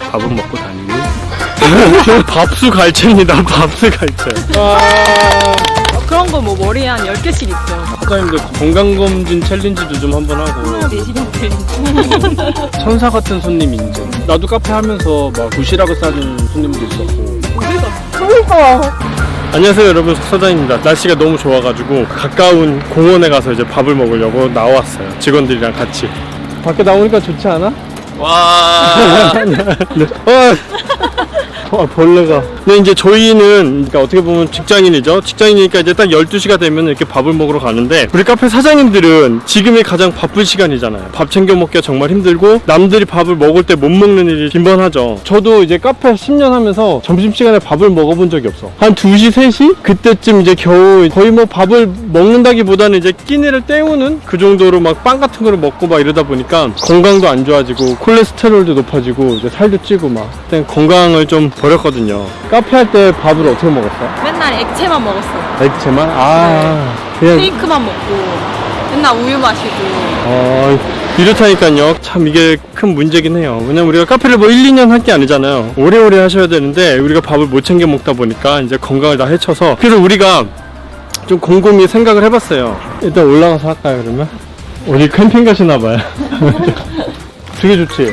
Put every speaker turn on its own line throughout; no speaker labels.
밥은 먹고 다니니? 밥수 갈채입니다. 밥수 갈채.
그런 거 뭐 머리에 한 10개씩 있죠.
사장님들 건강검진 챌린지도 좀 한번 하고.
4시간 챌린지.
천사 같은 손님 인증. 나도 카페 하면서 막 도시락을 싸는 손님도 있었고.
그러니까.
안녕하세요 여러분, 석사장입니다. 날씨가 너무 좋아가지고 가까운 공원에 가서 이제 밥을 먹으려고 나왔어요. 직원들이랑 같이. 밖에 나오니까 좋지 않아?
와.
네. 벌레가. 근데 이제 저희는 그러니까 어떻게 보면 직장인이죠. 직장인이니까 이제 딱 12시가 되면 이렇게 밥을 먹으러 가는데, 우리 카페 사장님들은 지금이 가장 바쁜 시간이잖아요. 밥 챙겨 먹기가 정말 힘들고 남들이 밥을 먹을 때 못 먹는 일이 빈번하죠. 저도 이제 카페 10년 하면서 점심시간에 밥을 먹어본 적이 없어. 한 2시, 3시? 그때쯤 이제 겨우 거의 뭐 밥을 먹는다기보다는 이제 끼니를 때우는 그 정도로 막 빵 같은 거를 먹고 막 이러다 보니까 건강도 안 좋아지고 콜레스테롤도 높아지고 이제 살도 찌고 막 그때 건강을 좀 버렸거든요. 카페 할 때 밥을 어떻게 먹었어?
맨날 액체만 먹었어요.
액체만? 그냥
쉐이크만 먹고 맨날 우유 마시고.
이렇다니까요. 참 이게 큰 문제긴 해요. 왜냐면 우리가 카페를 뭐 1, 2년 할 게 아니잖아요. 오래오래 하셔야 되는데 우리가 밥을 못 챙겨 먹다 보니까 이제 건강을 다 해쳐서, 그래서 우리가 좀 곰곰이 생각을 해봤어요. 일단 올라가서 할까요 그러면? 어디 캠핑 가시나봐요. 되게 좋지?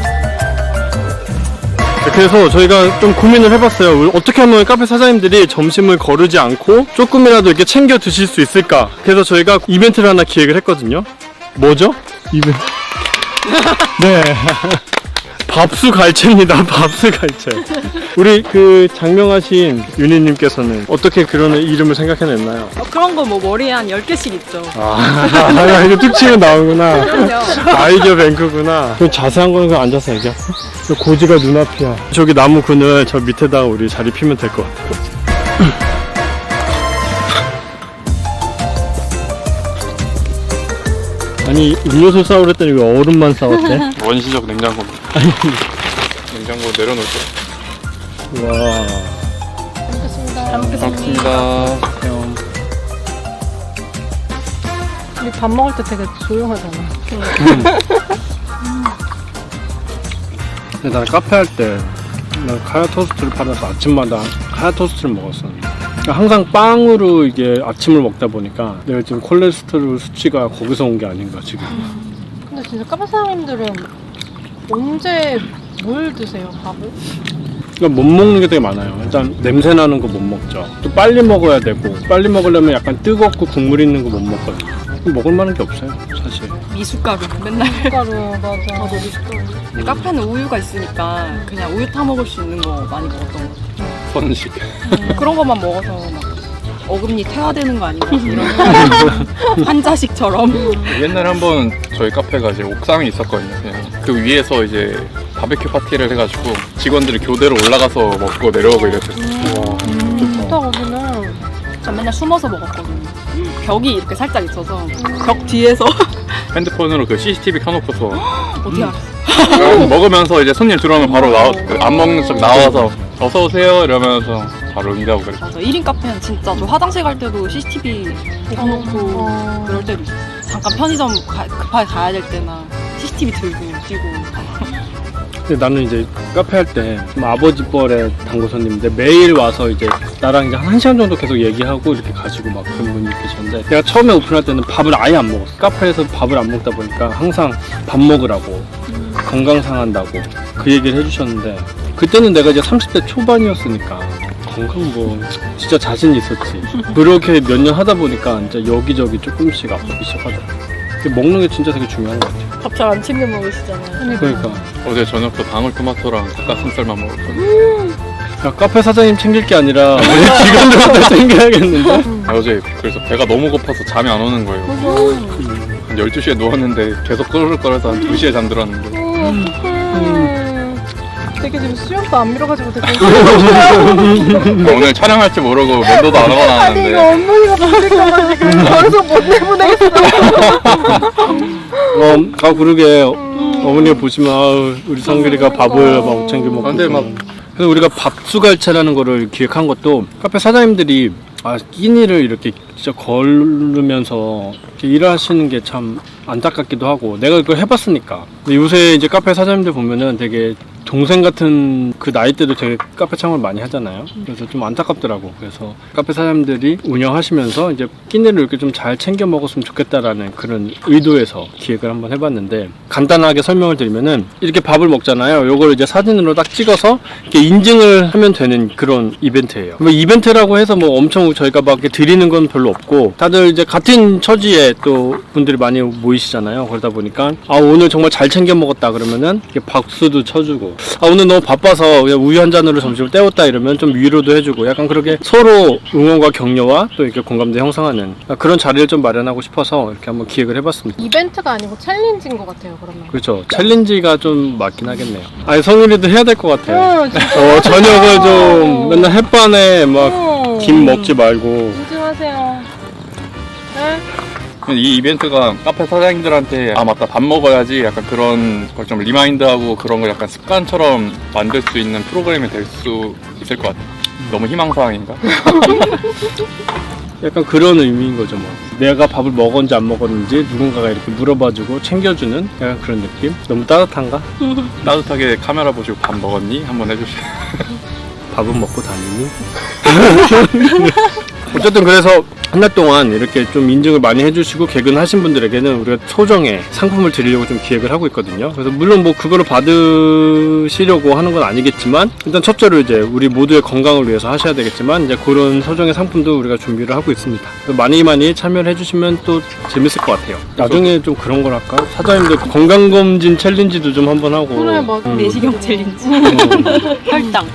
그래서 저희가 좀 고민을 해봤어요. 어떻게 하면 카페 사장님들이 점심을 거르지 않고 조금이라도 이렇게 챙겨 드실 수 있을까. 그래서 저희가 이벤트를 하나 기획을 했거든요. 뭐죠? 이벤트. 네. 밥수 갈채입니다. 밥수 갈채. 우리 그 장명하신 윤희님께서는 어떻게 그런 이름을 생각해냈나요?
그런 거 뭐 머리에 한 10개씩 있죠.
이거 툭 치면 나오구나.
그럼요.
아이디어 뱅크구나. 그럼 자세한 거는 그냥 앉아서 얘기할까? 고지가 눈앞이야. 저기 나무 그늘 저 밑에다가 우리 자리 피면 될 것 같아. 아니 음료수 싸우랬더니 왜 얼음만 싸웠대?
원시적 냉장고입니다. 냉장고 내려놓을게요.
와.
잘 먹겠습니다.
고맙습니다.
우리 밥 먹을 때 되게 조용하잖아.
근데 나는 카페 할 때 난 카야 토스트를 팔아서 아침마다 카야 토스트를 먹었었는데, 항상 빵으로 이게 아침을 먹다 보니까 내가 지금 콜레스테롤 수치가 거기서 온 게 아닌가 지금.
근데 진짜 카페 사장님들은 언제 뭘 드세요, 밥을?
그러니까 못 먹는 게 되게 많아요. 일단 냄새 나는 거 못 먹죠. 또 빨리 먹어야 되고, 빨리 먹으려면 약간 뜨겁고 국물 있는 거 못 먹거든요. 먹을 만한 게 없어요 사실.
미숫가루 맨날.
가루 맞아.
저도 미숫가루. 카페는 우유가 있으니까 그냥 우유 타 먹을 수 있는 거 많이 먹었던 거.
선식.
그런 것만 먹어서 막 어금니 태화되는 거 아닌가 이런 환자식처럼.
옛날에 한번 저희 카페가 이제 옥상에 있었거든요. 그냥 그 위에서 이제 바베큐 파티를 해가지고 직원들이 교대로 올라가서 먹고 내려오고 이랬어요.
좋다 거기는.
전 맨날 숨어서 먹었거든요. 벽이 이렇게 살짝 있어서 벽 뒤에서.
핸드폰으로 그 CCTV 켜놓고서
어떻게 알았어?
먹으면서 이제 손님 들어오면 바로 안 먹는 척 나와서 어서 오세요 이러면서 바로 응대하고 그랬어요.
맞아. 1인 카페는 진짜 저 화장실 갈 때도 CCTV 켜놓고 그럴 때도 있어. 잠깐 편의점 급하게 가야 될 때나 CCTV 들고 뛰고.
근데 나는 이제 카페 할 때 아버지 뻘의 당구 손님인데 매일 와서 이제 나랑 이제 한 1시간 정도 계속 얘기하고 이렇게 가시고 막 그런 분이 계셨는데, 내가 처음에 오픈할 때는 밥을 아예 안 먹었어. 카페에서 밥을 안 먹다 보니까 항상 밥 먹으라고 건강 상한다고 그 얘기를 해주셨는데, 그때는 내가 이제 30대 초반이었으니까 건강 뭐 진짜 자신 있었지. 그렇게 몇 년 하다 보니까 이제 여기저기 조금씩 아프기 시작하더라고. 먹는 게 진짜 되게 중요한 것 같아요.
밥 잘 안 챙겨 먹으시잖아요.
그러니까
어제 저녁도 방울토마토랑 닭가슴살만 먹었거든요.
야, 카페 사장님 챙길 게 아니라 우리 직원들한테 챙겨야겠는데?
어제 그래서 배가 너무 고파서 잠이 안 오는 거예요. 한 12시에 누웠는데 계속 끄르륵거려서 한 2시에 잠들었는데
되게 지금 수염도 안 밀어가지고 되게.
오늘 촬영할지 모르고 면도도 안 하고
아니 이거
나왔는데
어머니가 보실까봐 지금 방송 못 내보내겠어.
그러게 어머니가 보시면 우리 성길이가 밥을 막 못 챙겨 먹고.
근데 막
그래서 우리가 밥수갈채라는 거를 기획한 것도 카페 사장님들이 끼니를 이렇게 직접 걸으면서 이렇게 일하시는 게 참 안타깝기도 하고 내가 그걸 해봤으니까. 근데 요새 이제 카페 사장님들 보면은 되게 동생 같은 그 나이 때도 되게 카페 창업을 많이 하잖아요. 그래서 좀 안타깝더라고. 그래서 카페 사장님들이 운영하시면서 이제 끼니를 이렇게 좀 잘 챙겨 먹었으면 좋겠다라는 그런 의도에서 기획을 한번 해봤는데, 간단하게 설명을 드리면은 이렇게 밥을 먹잖아요. 요걸 이제 사진으로 딱 찍어서 이렇게 인증을 하면 되는 그런 이벤트예요. 뭐 이벤트라고 해서 뭐 엄청 저희가 막 이렇게 드리는 건 별로 없고, 다들 이제 같은 처지에 또 분들이 많이 모이시잖아요. 그러다 보니까 아 오늘 정말 잘 챙겨 먹었다 그러면은 이렇게 박수도 쳐주고, 아 오늘 너무 바빠서 그냥 우유 한 잔으로 점심을 때웠다 이러면 좀 위로도 해주고, 약간 그렇게 서로 응원과 격려와 또 이렇게 공감대 형성하는 그런 자리를 좀 마련하고 싶어서 이렇게 한번 기획을 해봤습니다.
이벤트가 아니고 챌린지인 것 같아요, 그러면.
그렇죠. 챌린지가 좀 맞긴 하겠네요. 아니 성일이도 해야 될 것 같아요.
진짜.
저녁을 좀 맨날 햇반에 막 김 먹지 말고.
인증하세요. 네?
이 이벤트가 카페 사장님들한테 아 맞다 밥 먹어야지 약간 그런 걸 좀 리마인드하고 그런 걸 약간 습관처럼 만들 수 있는 프로그램이 될 수 있을 것 같아요. 너무 희망사항인가?
약간 그런 의미인 거죠 뭐. 내가 밥을 먹었는지 안 먹었는지 누군가가 이렇게 물어봐주고 챙겨주는 약간 그런 느낌? 너무 따뜻한가?
따뜻하게 카메라 보시고 밥 먹었니? 한번 해주세요.
밥은 먹고 다니니? 어쨌든 그래서 한 달 동안 이렇게 좀 인증을 많이 해주시고 개근하신 분들에게는 우리가 소정의 상품을 드리려고 좀 기획을 하고 있거든요. 그래서 물론 뭐 그거를 받으시려고 하는 건 아니겠지만, 일단 첫째로 이제 우리 모두의 건강을 위해서 하셔야 되겠지만 이제 그런 소정의 상품도 우리가 준비를 하고 있습니다. 그래서 많이 참여를 해주시면 또 재밌을 것 같아요. 나중에 좀 그런 걸 할까? 사장님들 건강검진 챌린지도 좀 한번 하고.
그래, 맞아.
내시경 챌린지. 혈당.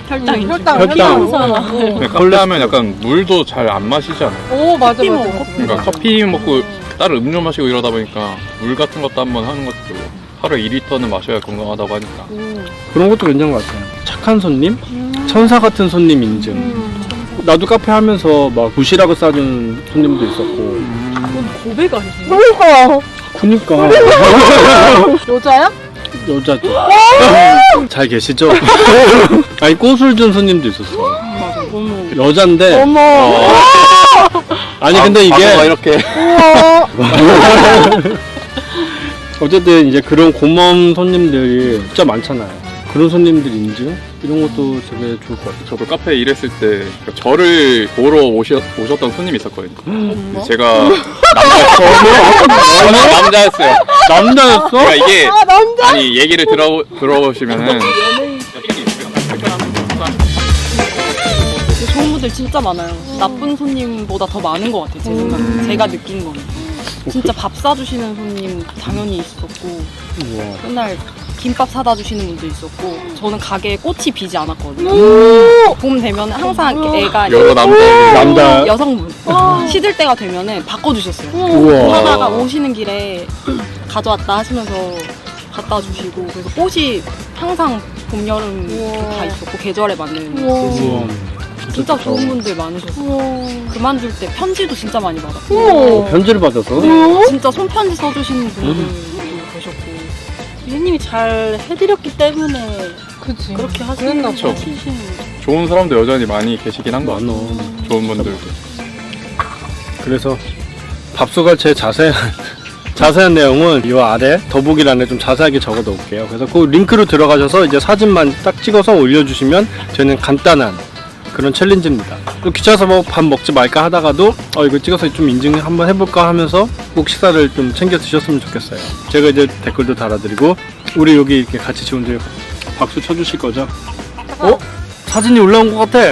카페 하면 약간 물도 잘 안 마시지 않아요?
오, 맞아,
커피
맞아.
먹어,
맞아.
그러니까 커피 먹고 다른 음료 마시고 이러다 보니까 물 같은 것도 한번 하는 것도 하루에 2리터는 마셔야 건강하다고 하니까.
그런 것도 괜찮은 것 같아요. 착한 손님? 천사 같은 손님 인증. 나도 카페 하면서 막 도시락을 싸준 손님도 있었고.
고백 아니세요?
그러니까.
그니까.
여자야?
여자죠. 잘 계시죠? 아니 꽃을 준 손님도 있었어.
맞아. 너무.
여잔데.
어머.
아니 근데 이게
이렇게
어쨌든 이제 그런 고마운 손님들이 진짜 많잖아요. 그런 손님들 인증 이런 것도 되게 좋을 것 같아요.
저도 카페에 일했을 때 저를 보러 오셨던 손님이 있었거든요. 제가 남자였어요.
남자였어?
그러니까 이게 아니 얘기를 들어보시면은
좋은 분들 진짜 많아요. 나쁜 손님보다 더 많은 것 같아요, 제 생각에. 제가 느낀 거는. 진짜 밥 사주시는 손님 당연히 있었고,
우와.
맨날 김밥 사다 주시는 분도 있었고, 저는 가게에 꽃이 비지 않았거든요. 봄 되면 항상 애가
여러
남자.
여성분 시들 때가 되면은 바꿔주셨어요.
우와.
하다가 오시는 길에 가져왔다 하시면서 갖다 주시고, 그래서 꽃이 항상 봄, 여름 다 있었고 계절에 맞는
우와.
진짜
좋다.
좋은 분들 많으셨어요. 그만둘 때 편지도 진짜 많이 받았고,
편지를 받아서.
진짜 손편지 써주시는 분들도 계셨고.
유님이 잘 해드렸기 때문에
그치.
그렇게 하시는
그랬나
봐.
거지.
좋은 사람도 여전히 많이 계시긴 한 것 같아요.
많어.
좋은 분들도.
그래서 밥솥갈채의 자세한 내용은 이 아래 더보기란에 좀 자세하게 적어 놓을게요. 그래서 그 링크로 들어가셔서 이제 사진만 딱 찍어서 올려주시면 되는 간단한 그런 챌린지입니다. 또 귀찮아서 뭐 밥 먹지 말까 하다가도 이거 찍어서 좀 인증 한번 해볼까 하면서 꼭 식사를 좀 챙겨 드셨으면 좋겠어요. 제가 이제 댓글도 달아드리고, 우리 여기 이렇게 같이 지원들 박수 쳐주실 거죠? 사진이 올라온 것 같아.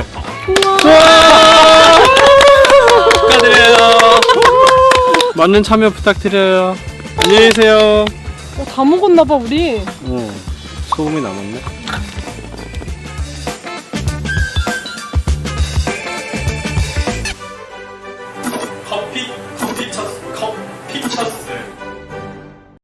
축하드려요.
많은 참여 부탁드려요. 안녕히 계세요.
다 먹었나봐, 우리.
소금이 남았네.